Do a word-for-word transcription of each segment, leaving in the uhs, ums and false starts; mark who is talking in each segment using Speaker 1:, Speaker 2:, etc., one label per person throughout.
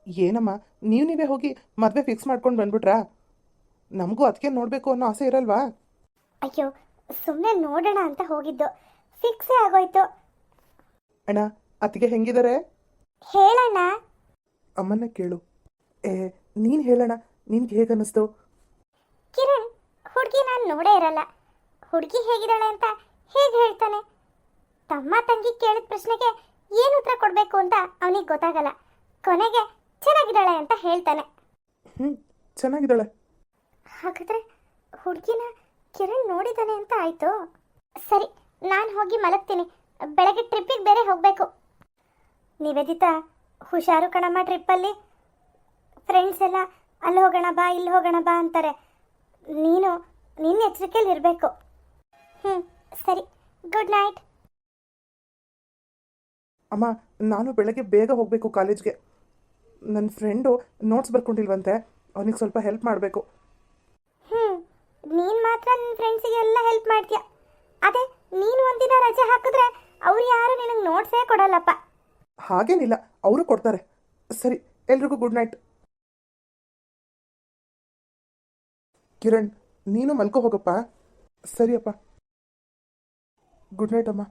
Speaker 1: ಏನಮ್ಮ, ನೀವು ನೀವೇ ಹೋಗಿ ಮದುವೆ ಫಿಕ್ಸ್ ಮಾಡ್ಕೊಂಡು ಬಂದ್ಬಿಟ್ರಾ? ನಮಗೂ ಅದಕ್ಕೆ ನೋಡಬೇಕು ಅನ್ನೋ ಆಸೆ ಇರಲ್ವಾ?
Speaker 2: ಅಯ್ಯೋ, ಸುಮ್ಮನೆ ನೋಡೋಣ ಅಂತ ಹೋಗಿದ್ದು, ಫಿಕ್ಸೇ ಆಗೋಯ್ತು.
Speaker 1: ಅಣ್ಣ, ಅತ್ತಿಗೆ ಹೆಂಗಿದ್ದಾರೆ?
Speaker 2: ಹೇಳಣ್ಣ.
Speaker 1: ಅಮ್ಮನ್ನ ಕೇಳು. ಏ, ನೀನು ಹೇಳೋಣ, ನಿನ್ಗೆ ಹೇಗೆ ಅನ್ನಿಸ್ತು?
Speaker 2: ಕಿರಣ್ ಹುಡುಗಿ ನಾನು ನೋಡೇ ಇರಲ್ಲ, ಹುಡುಗಿ ಹೇಗಿದ್ದಾಳೆ ಅಂತ ಹೇಗೆ ಹೇಳ್ತಾನೆ? ತಮ್ಮ ತಂಗಿ ಕೇಳಿದ ಪ್ರಶ್ನೆಗೆ ಏನು ಉತ್ತರ ಕೊಡಬೇಕು ಅಂತ ಅವನಿಗೆ ಗೊತ್ತಾಗಲ್ಲ. ಕೊನೆಗೆ ಚೆನ್ನಾಗಿದ್ದಾಳೆ ಅಂತ ಹೇಳ್ತಾನೆ.
Speaker 1: ಹ್ಞೂ, ಚೆನ್ನಾಗಿದ್ದಾಳೆ.
Speaker 2: ಹಾಗಾದ್ರೆ ಹುಡುಗಿನ ಕಿರಣ್ ನೋಡಿದ್ದಾನೆ ಅಂತ ಆಯ್ತು. ಸರಿ, ನಾನು ಹೋಗಿ ಮಲಗ್ತೀನಿ, ಬೆಳಗ್ಗೆ ಟ್ರಿಪ್ಪಿಗೆ ಬೇರೆ ಹೋಗಬೇಕು. ನಿವೇದಿತಾ, ಹುಷಾರು ಕಣಮ್ಮ ಟ್ರಿಪ್ಪಲ್ಲಿ. ಫ್ರೆಂಡ್ಸ್ ಎಲ್ಲ ಅಲ್ಲಿ ಹೋಗೋಣ ಬಾ, ಇಲ್ಲಿ ಹೋಗೋಣ ಬಾ ಅಂತಾರೆ. ನೀನು ನಿನ್ನ ಎಚ್ಚರಿಕೆಯಲ್ಲಿ ಇರಬೇಕು. ಹ್ಞೂ ಸರಿ, ಗುಡ್ ನೈಟ್.
Speaker 1: ಅಮ್ಮ, ನಾನು ಬೆಳಗ್ಗೆ ಬೇಗ ಹೋಗಬೇಕು ಕಾಲೇಜ್ಗೆ. ನನ್ನ ಫ್ರೆಂಡು ನೋಟ್ಸ್ ಬರ್ಕೊಂಡಿಲ್ವಂತೆ, ಅವನಿಗೆ ಸ್ವಲ್ಪ ಹೆಲ್ಪ್ ಮಾಡಬೇಕು.
Speaker 2: ಹ್ಞೂ ನೀನು ಮಾತ್ರ ನಿನ್ನ ಫ್ರೆಂಡ್ಸಿಗೆಲ್ಲ ಹೆಲ್ಪ್ ಮಾಡ್ತೀಯ. ಅದೇ ನೀನು ಒಂದಿನ ರಜೆ ಹಾಕಿದ್ರೆ ಅವ್ರು ಯಾರು ನಿನಗೆ ನೋಟ್ಸೇ ಕೊಡಲ್ಲಪ್ಪ.
Speaker 1: ಹಾಗೇನಿಲ್ಲ, ಅವರು ಕೊಡ್ತಾರೆ. ಸರಿ, ಎಲ್ರಿಗೂ ಗುಡ್ ನೈಟ್. ಕಿರಣ್, ನೀನು ಮಲ್ಕೋ ಹೋಗಪ್ಪ. ಸರಿಯಪ್ಪ, ಗುಡ್ ನೈಟ್ ಅಮ್ಮ.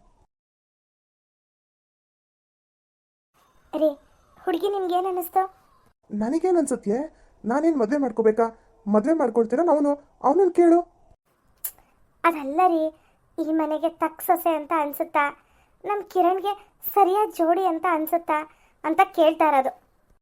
Speaker 2: ರೀ, ಹುಡುಗಿ ನಿಮ್ಗೇನು ಅನ್ನಿಸ್ತು?
Speaker 1: ನನಗೇನು ಅನ್ಸುತ್ತೆ, ನಾನೇನು ಮದುವೆ ಮಾಡ್ಕೋಬೇಕಾ? ಮದುವೆ ಮಾಡ್ಕೊಳ್ತೀರಾ? ಅವನು ಅವನನ್ನು ಕೇಳು.
Speaker 2: ಅದಲ್ಲ ರೀ, ಈ ಮನೆಗೆ ತಕ್ಕ ಸೊಸೆ ಅಂತ ಅನ್ಸುತ್ತಾ, ನಮ್ಮ ಕಿರಣ್ಗೆ ಸರಿಯಾದ ಜೋಡಿ ಅಂತ ಅನ್ಸುತ್ತಾ ಅಂತ ಕೇಳ್ತಾ ಇರೋದು.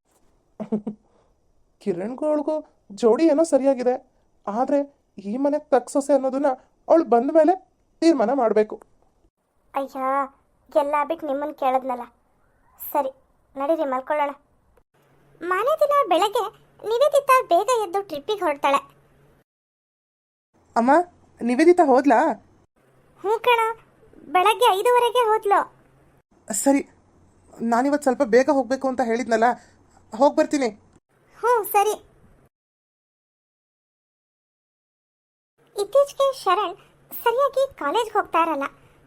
Speaker 1: ಕಿರಣ್ಗಳಿಗೂ ಜೋಡಿ ಏನೋ ಸರಿಯಾಗಿದೆ, ಆದರೆ ಈ ಮನೆಗೆ ತಕ್ಕ ಸೊಸೆ ಅನ್ನೋದನ್ನ ಅವಳು ಬಂದ ಮೇಲೆ ತೀರ್ಮಾನ ಮಾಡಬೇಕು.
Speaker 2: ಅಯ್ಯ, ಎಲ್ಲ ಬಿಟ್ಟು ನಿಮ್ಮನ್ನು ಕೇಳಿದ್ನಲ್ಲ. ಸರಿ, ನಡೀರಿ ಮಲ್ಕೊಳ್ಳೋಣ. ಮನೆ ದಿನ ಬೆಳಗ್ಗೆ ನಿವೇದಿತಾ ಬೇಗ ಎದ್ದು ಟ್ರಿಪ್ಪಿಗೆ ಹೊರಡ್ತಾಳೆ.
Speaker 1: ಅಮ್ಮ, ನಿವೇದಿತಾ ಹೋದ್ಲಾ?
Speaker 2: ಹ್ಞೂ ಕಣ, ಬೆಳಗ್ಗೆ ಐದುವರೆಗೆ ಹೋದ್ಲು.
Speaker 1: ಸರಿ, ನಾನಿವತ್ತು ಸ್ವಲ್ಪ ಬೇಗ ಹೋಗಬೇಕು ಅಂತ ಹೇಳಿದ್ನಲ್ಲ, ಹೋಗಿ ಬರ್ತೀನಿ.
Speaker 2: ಹ್ಞೂ ಸರಿ. ಇತ್ತೀಚೆಗೆ ಶರಣ್ ಸರಿಯಾಗಿ ಕಾಲೇಜ್ಗೆ ಹೋಗ್ತಾ ಇರಲ್ಲ.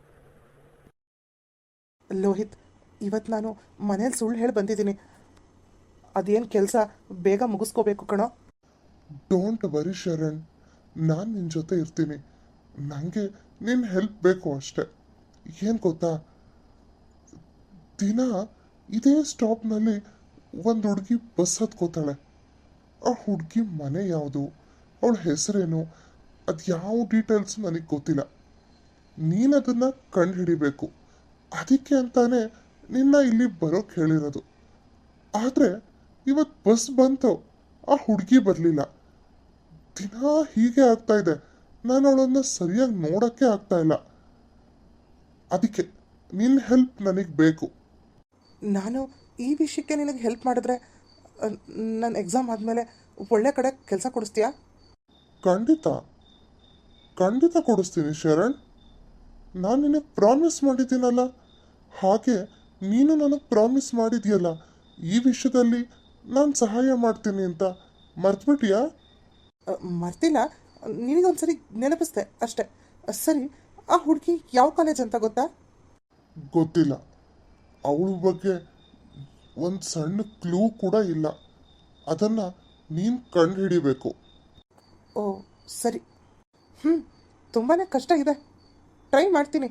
Speaker 1: ಲೋಹಿತ್, ಇವತ್ತು ನಾನು ಮನೇಲಿ ಸುಳ್ಳು ಹೇಳಿ ಬಂದಿದ್ದೀನಿ. ಅದೇನು ಕೆಲಸ ಬೇಗ ಮುಗಿಸ್ಕೋಬೇಕು ಕಣೋ.
Speaker 3: ಡೋಂಟ್ ವರಿ ಶರಣ್, ನಾನು ನಿನ್ನ ಜೊತೆ ಇರ್ತೀನಿ. ನನಗೆ ನಿನ್ನ ಹೆಲ್ಪ್ ಬೇಕು ಅಷ್ಟೆ. ಏನು ಗೊತ್ತಾ, ದಿನ ಇದೇ ಸ್ಟಾಪ್ನಲ್ಲಿ ಒಂದು ಹುಡುಗಿ ಬಸ್ ಹತ್ಕೋತಾಳೆ. ಆ ಹುಡುಗಿ ಮನೆ ಯಾವುದು, ಅವಳ ಹೆಸರೇನು, ಅದು ಯಾವ ಡೀಟೇಲ್ಸ್ ನನಗೆ ಗೊತ್ತಿಲ್ಲ. ನೀನು ಅದನ್ನು ಕಂಡು ಹಿಡಿಬೇಕು. ಅದಕ್ಕೆ ಅಂತಾನೆ ನಿನ್ನ ಇಲ್ಲಿ ಬರೋಕ್ಕೆ ಹೇಳಿರೋದು. ಆದರೆ ಇವತ್ತು ಬಸ್ ಬಂತು, ಆ ಹುಡುಗಿ ಬರಲಿಲ್ಲ. ದಿನ ಹೀಗೆ ಆಗ್ತಾ ಇದೆ, ನಾನು ಅವಳನ್ನು ಸರಿಯಾಗಿ ನೋಡೋಕ್ಕೆ ಆಗ್ತಾ ಇಲ್ಲ. ಅದಕ್ಕೆ ನಿನ್ನ ಹೆಲ್ಪ್ ನನಗೆ ಬೇಕು.
Speaker 1: ನಾನು ಈ ವಿಷಯಕ್ಕೆ ನಿನಗೆ ಹೆಲ್ಪ್ ಮಾಡಿದ್ರೆ ನನ್ನ ಎಕ್ಸಾಮ್ ಆದಮೇಲೆ ಒಳ್ಳೆ ಕಡೆ ಕೆಲಸ ಕೊಡಿಸ್ತೀಯಾ?
Speaker 3: ಖಂಡಿತ ಖಂಡಿತ ಕೊಡಿಸ್ತೀನಿ ಶರಣ್. ನಾನು ನಿನಗೆ ಪ್ರಾಮಿಸ್ ಮಾಡಿದ್ದೀನಲ್ಲ, ಹಾಗೆ ನೀನು ನನಗೆ ಪ್ರಾಮಿಸ್ ಮಾಡಿದ್ಯಲ್ಲ ಈ ವಿಷಯದಲ್ಲಿ ನಾನು ಸಹಾಯ ಮಾಡ್ತೀನಿ ಅಂತ. ಮರ್ತ್ಬಿಟ್ಟಿಯಾ?
Speaker 1: ಮರ್ತಿಲ್ಲ, ನಿನಗೊಂದ್ಸರಿ ನೆನಪಿಸ್ದೆ ಅಷ್ಟೆ. ಸರಿ, ಆ ಹುಡುಗಿ ಯಾವ ಕಾಲೇಜ್ ಅಂತ ಗೊತ್ತಾ?
Speaker 3: ಗೊತ್ತಿಲ್ಲ. ಅವಳ ಬಗ್ಗೆ ಒಂದು ಸಣ್ಣ ಕ್ಲೂ ಕೂಡ ಇಲ್ಲ. ಅದನ್ನು ನೀನು ಕಂಡು ಹಿಡಿಬೇಕು.
Speaker 1: ಓ ಸರಿ, ಹ್ಞೂ, ತುಂಬಾ ಕಷ್ಟ ಇದೆ, ಟ್ರೈ ಮಾಡ್ತೀನಿ.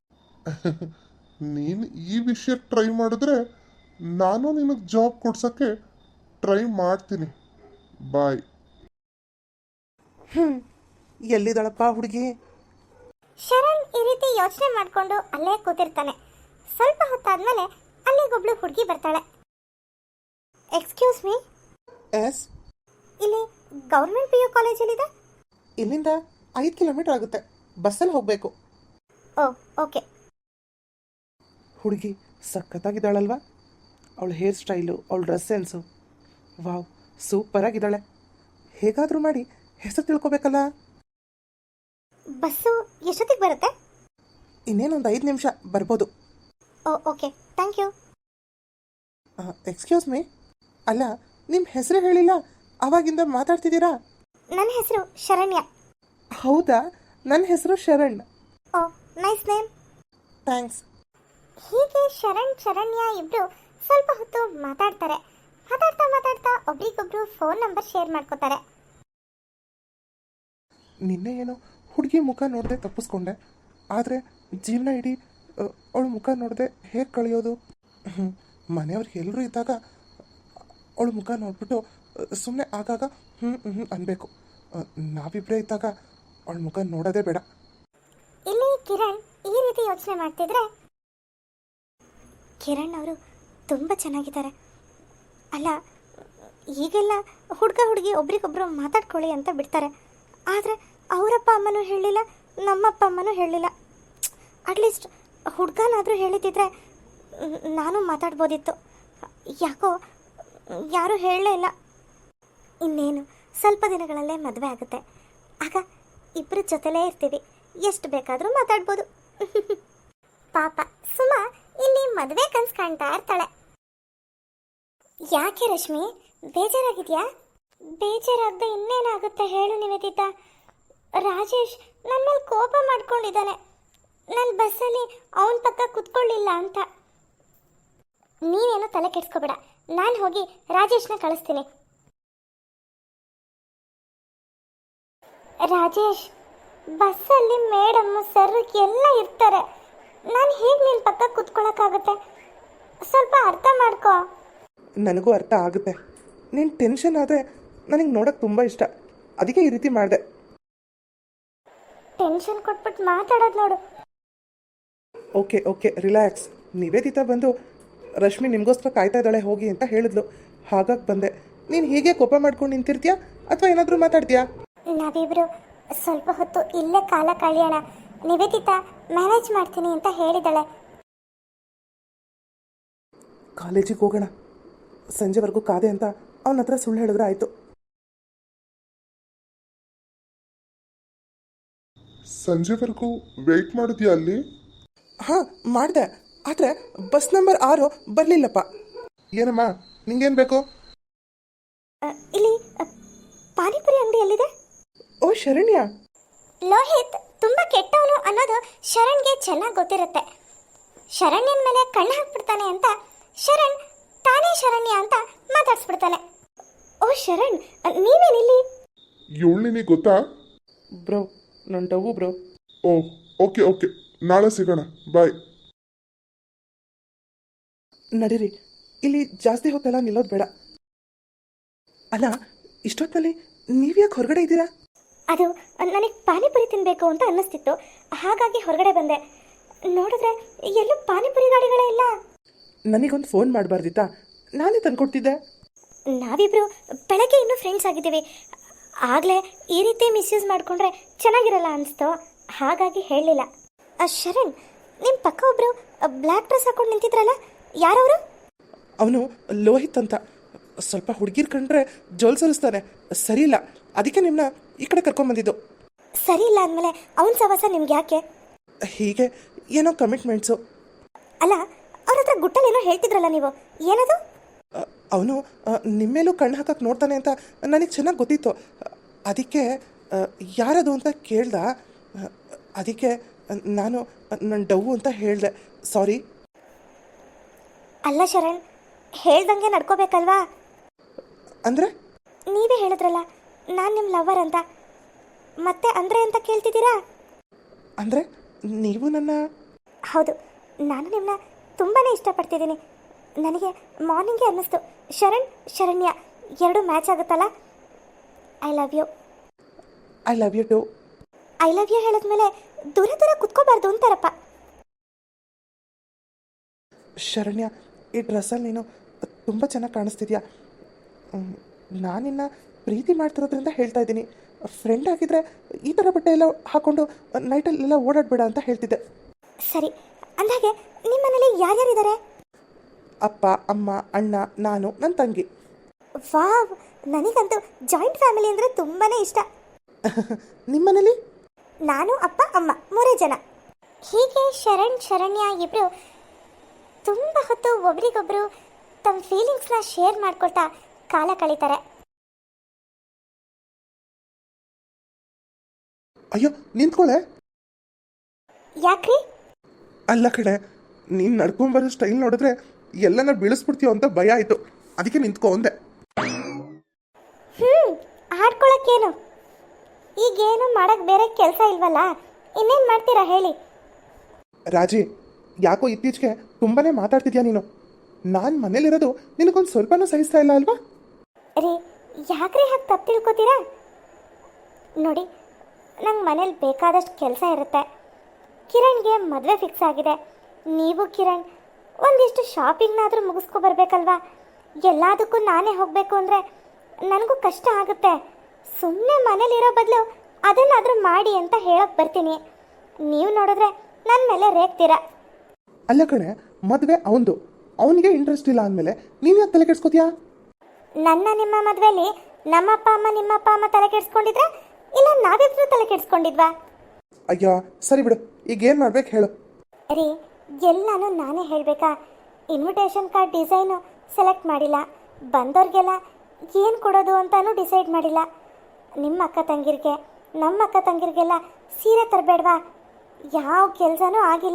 Speaker 3: ನೀನು ಈ ವಿಷಯ ಟ್ರೈ ಮಾಡಿದ್ರೆ ನಾನು ನಿನಗೆ ಜಾಬ್ ಕೊಡ್ಸೋಕ್ಕೆ ಟ್ರೈ ಮಾಡ್ತೀನಿ. ಬಾಯ್.
Speaker 1: ಹ್ಞೂ, ಎಲ್ಲಿದ್ದಾಳಪ್ಪ ಹುಡುಗಿ?
Speaker 2: ಶರಣ್ ಈ ರೀತಿ ಯೋಚನೆ ಮಾಡಿಕೊಂಡು ಅಲ್ಲೇ ಕೂತಿರ್ತಾನೆ. ಸ್ವಲ್ಪ ಹೊತ್ತಾದ್ಮೇಲೆ ಅಲ್ಲಿಗೊಬ್ಳು ಹುಡುಗಿ ಬರ್ತಾಳೆ. Excuse me,
Speaker 1: yes.
Speaker 2: ಇಲ್ಲಿ ಗೌರ್ಮೆಂಟ್ ಪಿ ಯು ಕಾಲೇಜಲ್ಲಿದೆ?
Speaker 1: ಇಲ್ಲಿಂದ ಐದು ಕಿಲೋಮೀಟರ್ ಆಗುತ್ತೆ, ಬಸ್ಸಲ್ಲಿ ಹೋಗಬೇಕು.
Speaker 2: Oh okay.
Speaker 1: ಹುಡುಗಿ ಸಖತ್ತಾಗಿದ್ದಾಳಲ್ವಾ? ಅವಳ ಹೇರ್ ಸ್ಟೈಲು, ಅವಳ ಡ್ರೆಸ್ ಸೆನ್ಸು, ವಾವ್, ಸೂಪರಾಗಿದ್ದಾಳೆ. ಹೇಗಾದರೂ ಮಾಡಿ ಹೆಸರು ತಿಳ್ಕೊಬೇಕಲ್ಲ.
Speaker 2: ಬಸ್ಸು ಎಷ್ಟೊತ್ತಿಗೆ ಬರುತ್ತೆ?
Speaker 1: ಇನ್ನೇನೊಂದು ಐದು ನಿಮಿಷ ಬರ್ಬೋದು.
Speaker 2: Oh okay, thank you.
Speaker 1: Excuse me, ಅಲ್ಲ, ನಿಮ್ಮ ಹೆಸರು ಹೇಳಿಲ್ಲ, ಆವಾಗಿಂದ ಮಾತಾಡ್ತಿದ್ದೀರಾ?
Speaker 2: ನನ್ನ ಹೆಸರು ಶರಣ್ಯ.
Speaker 1: ಹೌದಾ? ನನ್ನ ಹೆಸರು Sharan.
Speaker 2: Oh nice name.
Speaker 1: Thanks.
Speaker 2: ಹೀಗೆ ಶರಣ್ ಶರಣ್ಯ ಇಬ್ರು ಸ್ವಲ್ಪ ಹೊತ್ತು ಮಾತಾಡ್ತಾರೆ. ಮಾತಾಡ್ತಾ ಮಾತಾಡ್ತಾ ಫೋನ್ ನಂಬರ್ ಶೇರ್ ಮಾಡ್ಕೋತಾರೆ.
Speaker 1: ನಿನ್ನೆ ಏನೋ ಹುಡುಗಿ ಮುಖ ನೋಡದೆ ತಪ್ಪಿಸ್ಕೊಂಡೆ, ಆದರೆ ಜೀವನ ಇಡೀ ಅವಳ ಮುಖ ನೋಡದೆ ಹೇಗೆ ಕಳೆಯೋದು? ಮನೆಯವ್ರಿಗೆ ಎಲ್ಲರೂ ಇದ್ದಾಗ ಅವಳ ಮುಖ ನೋಡ್ಬಿಟ್ಟು ಸುಮ್ಮನೆ ಆಗಾಗ ಹ್ಞೂ ಹ್ಞೂ ಅನ್ಬೇಕು. ನಾವಿಬ್ಬರೇ ಇದ್ದಾಗ ಅವಳ ಮುಖ ನೋಡೋದೇ ಬೇಡ.
Speaker 2: ಇಲ್ಲಿ ಕಿರಣ್ ಈ ರೀತಿ ಯೋಚನೆ ಮಾಡ್ತಿದ್ರೆ, ಕಿರಣ್ ಅವರು ತುಂಬ ಚೆನ್ನಾಗಿದ್ದಾರೆ. ಅಲ್ಲ, ಈಗೆಲ್ಲ ಹುಡುಗ ಹುಡುಗಿ ಒಬ್ರಿಗೊಬ್ರು ಮಾತಾಡ್ಕೊಳ್ಳಿ ಅಂತ ಬಿಡ್ತಾರೆ, ಆದರೆ ಅವರಪ್ಪ ಅಮ್ಮನೂ ಹೇಳಿಲ್ಲ, ನಮ್ಮಪ್ಪ ಅಮ್ಮನೂ ಹೇಳಿಲ್ಲ. ಅಟ್ಲೀಸ್ಟ್ ಹುಡುಗನಾದರೂ ಹೇಳಿದ್ದಿದ್ರೆ ನಾನು ಮಾತಾಡ್ಬೋದಿತ್ತು. ಯಾಕೋ ಯಾರೂ ಹೇಳಲೇ ಇಲ್ಲ. ಇನ್ನೇನು ಸ್ವಲ್ಪ ದಿನಗಳಲ್ಲೇ ಮದುವೆ ಆಗುತ್ತೆ, ಆಗ ಇಬ್ಬರ ಜೊತೆಲೇ ಇರ್ತೀವಿ, ಎಷ್ಟು ಬೇಕಾದರೂ ಮಾತಾಡ್ಬೋದು. ಪಾಪ ಸುಮಾ ಇಲ್ಲಿ ಮದುವೆ ಕನ್ಸು ಕಾಣ್ತಾ ಇರ್ತಾಳೆ. ಯಾಕೆ ರಶ್ಮಿ, ಬೇಜಾರಾಗಿದೆಯಾ? ಬೇಜಾರಾಗದೆ ಇನ್ನೇನಾಗುತ್ತೆ ಹೇಳು ನಿವೇದಿತಾ. ರಾಜೇಶ್ ನನ್ನ ಮೇಲೆ ಕೋಪ ಮಾಡ್ಕೊಂಡಿದ್ದಾನೆ, ನಾನು ಬಸ್ಸಲ್ಲಿ ಅವನ ಪಕ್ಕ ಕುತ್ಕೊಳ್ಳಿಲ್ಲ ಅಂತ. ನೀನೇನು ತಲೆ ಕೆಡಿಸ್ಕೋಬೇಡ, ನಾನು ಹೋಗಿ ರಾಜೇಶ್ನ ಕಳಿಸ್ತೀನಿ. ರಾಜೇಶ್, ಬಸ್ಸಲ್ಲಿ ಮೇಡಮ್ ಸರ್ ಎಲ್ಲ ಇರ್ತಾರೆ, ನಾನು ಹೇಗೆ ನಿನ್ನ ಪಕ್ಕ ಕುತ್ಕೊಳ್ಳೋಕ್ಕಾಗುತ್ತೆ? ಸ್ವಲ್ಪ ಅರ್ಥ ಮಾಡ್ಕೋ.
Speaker 1: ನನಗೂ ಅರ್ಥ ಆಗುತ್ತೆ. ನೀನು ಟೆನ್ಷನ್ ಆದರೆ ನನಗೆ ನೋಡೋಕ್ಕೆ ತುಂಬ ಇಷ್ಟ, ಅದಕ್ಕೆ ಈ ರೀತಿ ಮಾಡಿದೆ.
Speaker 2: ಟೆನ್ಷನ್ ಕೊಟ್ಬಿಟ್ಟು ಮಾತಾಡೋದು ನೋಡು.
Speaker 1: Okay okay relax. ನಿವೇದಿತಾ ಬಂದು ರಶ್ಮಿ ನಿಮಗೋಸ್ಕರ ಕಾಯ್ತಾ ಇದ್ದಾಳೆ ಹೋಗಿ ಅಂತ ಹೇಳಿದ್ಲು, ಹಾಗಾಗಿ ಬಂದೆ. ನೀನು ಹೀಗೆ ಕೋಪ ಮಾಡ್ಕೊಂಡು ನಿಂತಿರ್ತೀಯಾ ಅಥವಾ ಏನಾದರೂ ಮಾತಾಡ್ತೀಯಾ?
Speaker 2: ನಾವಿಬ್ರು ಸ್ವಲ್ಪ ಹೊತ್ತು ಇಲ್ಲೇ ಕಾಲ ಕಳೆಯೋಣ. ನಿವೇದಿತಾ ಮ್ಯಾನೇಜ್ ಮಾಡ್ತೀನಿ ಅಂತ ಹೇಳಿದಾಳೆ.
Speaker 1: ಕಾಲೇಜಿಗೆ ಹೋಗೋಣ, ಸಂಜೆವರೆಗೂ ಕಾದೆ ಅಂತ ಅವನ ಹತ್ರ ಸುಳ್ಳು ಹೇಳಿದ್ರೆ ಆಯಿತು.
Speaker 3: ಸಂಜೆವರೆಗೂ ವೆಯ್ಟ್ ಮಾಡಿದ್ಯಾ ಅಲ್ಲಿ?
Speaker 1: ಹಾಂ ಮಾಡಿದೆ, ಆದರೆ ಬಸ್ ನಂಬರ್ ಆರು ಬರಲಿಲ್ಲಪ್ಪ. ಏನಮ್ಮ, ನಿಂಗೇನು ಬೇಕು?
Speaker 2: ಅ, ಇಲ್ಲಿ ಅ, ಪಾನಿಪುರಿ ಅಂಗಡಿ ಎಲ್ಲಿದೆ?
Speaker 1: ಓ ಶರಣ್ಯ,
Speaker 2: ಲೋಹಿತ್ ತುಂಬ ಕೆಟ್ಟವನು ಅನ್ನೋದು ಶರಣ್ಗೆ ಚೆನ್ನಾಗಿ ಗೊತ್ತಿರುತ್ತೆ. ಶರಣ್ಯನ ಮೇಲೆ ಕಣ್ಣು ಹಾಕ್ಬಿಡ್ತಾನೆ ಅಂತ ಶರಣ್ ತಾನೇ ಶರಣ್ಯ ಅಂತ ಮಾತಾಡ್ಸ್ಬಿಡ್ತಾನೆ. ಓ ಶರಣ್, ನೀವೇನಿಲ್ಲಿ?
Speaker 3: ಇವಳು ನಿನಗೆ ಗೊತ್ತಾ?
Speaker 1: ಬ್ರೋ ನನ್ನ ಟವು ಬ್ರೋ.
Speaker 3: ಓ ಓಕೆ ಓಕೆ, ನಾಳೆ ಸಿಗೋಣ, ಬಾಯ್.
Speaker 1: ನಡೀರಿ, ಇಲ್ಲಿ ಜಾಸ್ತಿ ಹೊತ್ತೆಲ್ಲ ನಿಲ್ಲೋದು ಬೇಡ. ಅಲ್ಲ, ಇಷ್ಟೊತ್ತಲ್ಲಿ ನೀವ್ಯಾಕೆ ಹೊರಗಡೆ ಇದ್ದೀರಾ?
Speaker 2: ಅದು ನನಗೆ ಪಾನಿಪುರಿ ತಿನ್ನಬೇಕು ಅಂತ ಅನ್ನಿಸ್ತಿತ್ತು, ಹಾಗಾಗಿ ಹೊರಗಡೆ ಬಂದೆ. ನೋಡಿದ್ರೆ ಎಲ್ಲೂ ಪಾನಿಪುರಿ ಗಾಡಿಗಳೇ ಇಲ್ಲ.
Speaker 1: ನನಗೊಂದು ಫೋನ್ ಮಾಡಬಾರ್ದಿತ್ತಾ? ನಾನೇ ತಂದ್ಕೊಡ್ತಿದ್ದೆ.
Speaker 2: ನಾವಿಬ್ರು ಬೆಳಗ್ಗೆ ಇನ್ನೂ ಫ್ರೆಂಡ್ಸ್ ಆಗಿದ್ದೀವಿ, ಆಗಲೇ ಈ ರೀತಿ ಮಿಸ್ಯೂಸ್ ಮಾಡಿಕೊಂಡ್ರೆ ಚೆನ್ನಾಗಿರಲ್ಲ ಅನಿಸ್ತು, ಹಾಗಾಗಿ ಹೇಳಲಿಲ್ಲ. ಶರಣ್, ನಿಮ್ಮ ಪಕ್ಕ ಒಬ್ಬರು ಬ್ಲ್ಯಾಕ್ ಡ್ರೆಸ್ ಹಾಕೊಂಡು ನಿಂತಿದ್ರಲ್ಲ, ಯಾರವರು?
Speaker 1: ಅವನು ಲೋಹಿತ್ ಅಂತ, ಸ್ವಲ್ಪ ಹುಡುಗಿರ್ ಕಂಡ್ರೆ ಜೋಲ್ ಸರಿಸ್ತಾನೆ, ಸರಿ ಇಲ್ಲ, ಅದಕ್ಕೆ ನಿಮ್ಮನ್ನ ಈ ಕಡೆ ಕರ್ಕೊಂಬಂದಿದ್ದು.
Speaker 2: ಸರಿ ಇಲ್ಲ ಅಂದಮೇಲೆ ಅವನ ಸವಾಸ ನಿಮ್ಗೆ ಯಾಕೆ?
Speaker 1: ಹೀಗೆ ಏನೋ ಕಮಿಟ್ಮೆಂಟ್ಸು.
Speaker 2: ಅಲ್ಲ, ಅವ್ರ ಹತ್ರ ಗುಟ್ಟಲೇನೋ ಹೇಳ್ತಿದ್ರಲ್ಲ ನೀವು, ಏನದು?
Speaker 1: ಅವನು ನಿಮ್ಮೇಲೂ ಕಣ್ಣು ಹಾಕಕ್ಕೆ ನೋಡ್ತಾನೆ ಅಂತ ನನಗೆ ಚೆನ್ನಾಗಿ ಗೊತ್ತಿತ್ತು, ಅದಕ್ಕೆ ಯಾರದು ಅಂತ ಕೇಳ್ದ, ಅದಕ್ಕೆ ನಾನು ನನ್ನ ಡವ್ ಅಂತ ಹೇಳಿದೆ, ಸಾರಿ.
Speaker 2: ಅಲ್ಲ ಶರಣ್, ಹೇಳ್ದಂಗೆ ನಡ್ಕೋಬೇಕಲ್ವಾ?
Speaker 1: ಅಂದರೆ?
Speaker 2: ನೀವೇ ಹೇಳಿದ್ರಲ್ಲ ನಾನು ನಿಮ್ಮ ಲವರ್ ಅಂತ, ಮತ್ತೆ ಅಂದರೆ ಅಂತ ಕೇಳ್ತಿದ್ದೀರಾ?
Speaker 1: ಅಂದರೆ ನೀವು ನನ್ನ?
Speaker 2: ಹೌದು, ನಾನು ನಿಮ್ಮನ್ನ ತುಂಬಾ ಇಷ್ಟಪಡ್ತಿದ್ದೀನಿ. ನನಗೆ ಮಾರ್ನಿಂಗೇ ಅನ್ನಿಸ್ತು ಶರಣ್ ಶರಣ್ಯ ಎರಡು ಮ್ಯಾಚ್ ಆಗುತ್ತಲ್ಲ. I love you.
Speaker 1: I love you too.
Speaker 2: I love you ಹೇಳಿದ್ಮೇಲೆ ದೂರ ದೂರ ಕುತ್ಕೋಬಾರ್ದು ಅಂತಾರಪ್ಪ.
Speaker 1: ಶರಣ್ಯ, ಈ ಡ್ರೆಸ್ಸಲ್ಲಿ ನೀನು ತುಂಬ ಚೆನ್ನಾಗಿ ಕಾಣಿಸ್ತಿದ್ಯಾ. ನಾನಿನ್ನ ಪ್ರೀತಿ ಮಾಡ್ತಿರೋದ್ರಿಂದ ಹೇಳ್ತಾ ಇದ್ದೀನಿ, ಫ್ರೆಂಡ್ ಆಗಿದ್ರೆ ಈ ಥರ ಬಟ್ಟೆ ಎಲ್ಲ ಹಾಕ್ಕೊಂಡು ನೈಟಲ್ಲೆಲ್ಲ ಓಡಾಡಬೇಡ ಅಂತ ಹೇಳ್ತಿದ್ದೆ.
Speaker 2: ಸರಿ, ಅಂದಾಗೆ ನಿಮ್ಮ ಮನೇಲಿ ಯಾರ್ಯಾರಿದ್ದಾರೆ?
Speaker 1: ಅಪ್ಪ, ಅಮ್ಮ, ಅಣ್ಣ, ನಾನು, ನನ್ನ ತಂಗಿ.
Speaker 2: ವಾವ್, ನನಗಂತೂ ಜಾಯಿಂಟ್ ಫ್ಯಾಮಿಲಿ ಅಂದರೆ ತುಂಬಾ ಇಷ್ಟ.
Speaker 1: ನಿಮ್ಮ ಮನೇಲಿ?
Speaker 2: ನಾನು, ಅಪ್ಪ, ಅಮ್ಮ, ಮೂರೇ ಜನ. ಹೀಗೆ ಶರಣ್ ಶರಣ್ಯ ಇಬ್ಬರು ತುಂಬ ಹೊತ್ತು ಒಬ್ರಿಗೊಬ್ರು ತಮ್ಮ ಫೀಲಿಂಗ್ಸ್ನ ಶೇರ್ ಮಾಡ್ಕೊಳ್ತಾ ಕಾಲ ಕಳೀತಾರೆ.
Speaker 1: ಅಯ್ಯೋ ನಿಂತ್ಕೊಳ್ಳೆ.
Speaker 2: ಯಾಕ್ರಿ?
Speaker 1: ಅಲ್ಲ ಕಡೆ, ನೀನು ನಡ್ಕೊಂಬರೋ ಸ್ಟೈಲ್ ನೋಡಿದ್ರೆ ಎಲ್ಲನ ಬೀಳಿಸ್ಬಿಡ್ತೀಯೋ ಅಂತ ಭಯ ಆಯಿತು, ಅದಕ್ಕೆ ನಿಂತ್ಕೊ ಅಂದೆ.
Speaker 2: ಈಗೇನು ಮಾಡಕ್ಕೆ ಬೇರೆ ಕೆಲಸ ಇಲ್ವಲ್ಲ, ಇನ್ನೇನು ಮಾಡ್ತೀರಾ ಹೇಳಿ?
Speaker 1: ರಾಜಿ, ಯಾಕೋ ಇತ್ತೀಚೆಗೆ ತುಂಬಾ ಮಾತಾಡ್ತಿದ್ಯಾ ನೀನು. ನಾನು ಮನೇಲಿರೋದು ನಿನಗೊಂದು ಸ್ವಲ್ಪನೂ ಸಹಿಸ್ತಾ ಇಲ್ಲ ಅಲ್ವಾ?
Speaker 2: ರೀ, ಯಾಕ್ರಿ ಹಾಗೆ ತಪ್ಪು ತಿಳ್ಕೊತೀರಾ? ನೋಡಿ, ನಂಗೆ ಮನೇಲಿ ಬೇಕಾದಷ್ಟು ಕೆಲಸ ಇರುತ್ತೆ. ಕಿರಣ್ಗೆ ಮದುವೆ ಫಿಕ್ಸ್ ಆಗಿದೆ. ನೀವು ಕಿರಣ್ ಒಂದಿಷ್ಟು ಶಾಪಿಂಗ್ನಾದರೂ ಮುಗಿಸ್ಕೊ ಬರ್ಬೇಕಲ್ವಾ? ಎಲ್ಲದಕ್ಕೂ ನಾನೇ ಹೋಗಬೇಕು ಅಂದರೆ ನನಗೂ ಕಷ್ಟ ಆಗುತ್ತೆ. ಸುಮ್ಮನೆ ಮನೇಲಿರೋ ಬದಲು ಅದನ್ನಾದರೂ ಮಾಡಿ ಅಂತ ಹೇಳೋಕೆ ಬರ್ತೀನಿ. ನೀವು ನೋಡಿದ್ರೆ ನನ್ನ ಮೇಲೆ ರೇಗ್ತೀರಾ.
Speaker 1: ಅಲ್ಲ ಕಣೆ, ಮದುವೆ ಅವನದು, ಅವನಿಗೆ ಇಂಟ್ರೆಸ್ಟ್ ಇಲ್ಲ ಅಂದಮೇಲೆ ನೀನು ಯಾಕೆ ತಲೆ ಕೆಡ್ಸ್ಕೊತೀಯಾ?
Speaker 2: ನನ್ನ ನಿಮ್ಮ ಮದುವೆಲಿ ನಮ್ಮಪ್ಪ ಅಮ್ಮ ನಿಮ್ಮಪ್ಪ ಅಮ್ಮ ತಲೆ ಕೆಡಿಸ್ಕೊಂಡಿದ್ರೆ ಇಲ್ಲ ನಾವಿಬ್ರು ತಲೆ ಕೆಡಿಸ್ಕೊಂಡಿದ್ವಾ?
Speaker 1: ಅಯ್ಯೋ ಸರಿ ಬಿಡು, ಈಗ ಏನು ಮಾಡ್ಬೇಕು ಹೇಳು.
Speaker 2: ರೀ, ಎಲ್ಲನೂ ನಾನೇ ಹೇಳಬೇಕಾ? ಇನ್ವಿಟೇಷನ್ ಕಾರ್ಡ್ ಡಿಸೈನು ಸೆಲೆಕ್ಟ್ ಮಾಡಿಲ್ಲ, ಬಂದವ್ರಿಗೆಲ್ಲ ಏನು ಕೊಡೋದು ಅಂತಾನೂ ಡಿಸೈಡ್ ಮಾಡಿಲ್ಲ. ನಿಮ್ಮ ಅಕ್ಕ ತಂಗಿರಿಗೆ ನಮ್ಮ ಅಕ್ಕ ತಂಗಿರಿಗೆಲ್ಲ ಸೀರೆ ತರಬೇಡ್ವಾ? ಯಾವ ಕೆಲಸನೂ ಆಗಿಲ್ಲ.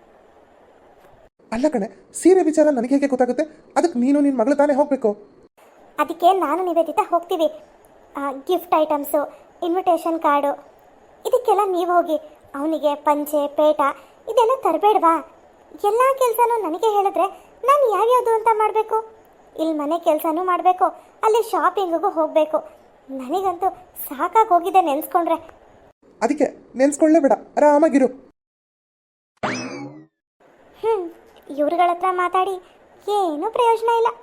Speaker 1: ಅಲ್ಲ ಕಣೆ, ಸೀರೆ ವಿಚಾರ ನನಗೆ ಹೇಗೆ ಗೊತ್ತಾಗುತ್ತೆ? ಅದಕ್ಕೆ ನೀನು ನಿನ್ನ ಮಗಳು ತಾನೇ ಹೋಗಬೇಕು.
Speaker 2: ಅದಕ್ಕೆ ನಾನು ನಿವೇದಿತಾ ಹೋಗ್ತೀವಿ. ಗಿಫ್ಟ್ ಐಟಮ್ಸು, ಇನ್ವಿಟೇಷನ್ ಕಾರ್ಡು, ಇದಕ್ಕೆಲ್ಲ ನೀವು ಹೋಗಿ. ಅವನಿಗೆ ಪಂಚೆ ಪೇಟ ಇದೆಲ್ಲ ತರಬೇಡ್ವಾ? ಎಲ್ಲ ಕೆಲಸನೂ ನನಗೆ ಹೇಳಿದ್ರೆ ನಾನು ಯಾವ್ಯಾವುದು ಅಂತ ಮಾಡಬೇಕು? ಇಲ್ಲಿ ಮನೆ ಕೆಲಸನೂ ಮಾಡಬೇಕು, ಅಲ್ಲಿ ಶಾಪಿಂಗಿಗೂ ಹೋಗಬೇಕು. ನನಗಂತೂ ಸಾಕಾಗಿ ಹೋಗಿದೆ ನೆನೆಸ್ಕೊಂಡ್ರೆ.
Speaker 1: ಅದಕ್ಕೆ ನೆನ್ಸ್ಕೊಳ್ಳೇ ಬೇಡ, ಆರಾಮಾಗಿರು.
Speaker 2: ಹ್ಞೂ, ಇವ್ರುಗಳ ಹತ್ರ ಮಾತಾಡಿ ಏನೂ ಪ್ರಯೋಜನ ಇಲ್ಲ.